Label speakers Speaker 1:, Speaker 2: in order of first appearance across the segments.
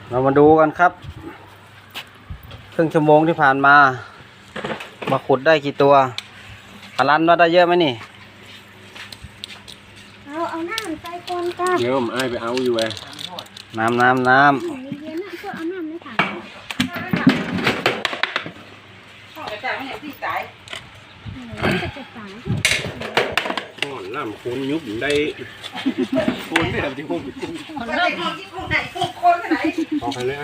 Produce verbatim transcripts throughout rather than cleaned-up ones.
Speaker 1: เรามาดูกันครับครึ่งชั่วโมงที่ผ่านมามาขุดได้กี่ตัวพลันว่าได้เยอะไหมนี่
Speaker 2: เอาเอาน้ำใส่ก่อนจ้า
Speaker 3: เดี๋ยวผมไอ้ไปเอาอยู่ไง
Speaker 1: น้ำน้ำน้ำ
Speaker 2: เย็นๆนะเพื่อเอาน้ำในถัง
Speaker 4: พ่อกระจายไม่เห็นที่สาย
Speaker 2: จะจะตาย
Speaker 3: ห่อนน้ำโคนยุบได้โคนไม่ทำที่โคนกุ้ง
Speaker 4: มันเริ่มที่กุ้งไหนกุ้งคนไหน
Speaker 3: พอไปเลยไอ้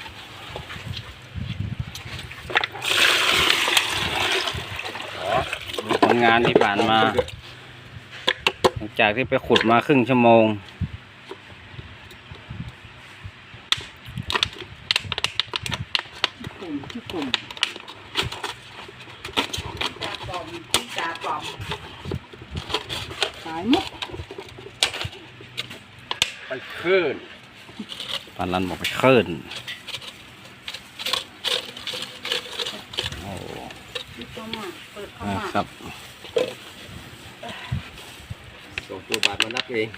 Speaker 1: ผลงานที่ผ่านมาหลังจากที่ไปขุดมาครึ่งชั่วโมง
Speaker 4: ปลอมที่จ่าปลอม
Speaker 2: ตายมุก
Speaker 3: ไปขึ้น
Speaker 1: พลันบอกไปคลื่นโอ้
Speaker 4: เข้ามาเปิดเข้ามา
Speaker 1: ครับ
Speaker 3: ส่งตัวบาทมานับเอง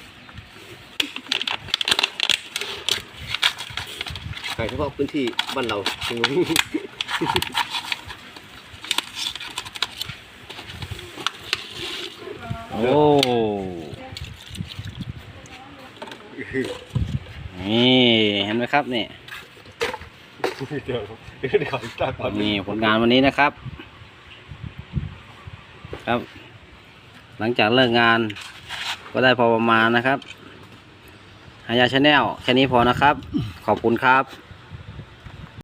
Speaker 3: ใครเฉพาะพื้นที่บ้านเราตรงนี้
Speaker 1: โอ้นี่เห็นไหมครับนี่
Speaker 3: เดี๋ยวเดี๋ยวขอตาก่อน
Speaker 1: นี่ผลงานวันนี้นะครับ ครับ หลังจากเลิกงานก็ได้พอประมาณนะครับหายาชาแนลแค่นี้พอนะครับ ขอบคุณครับ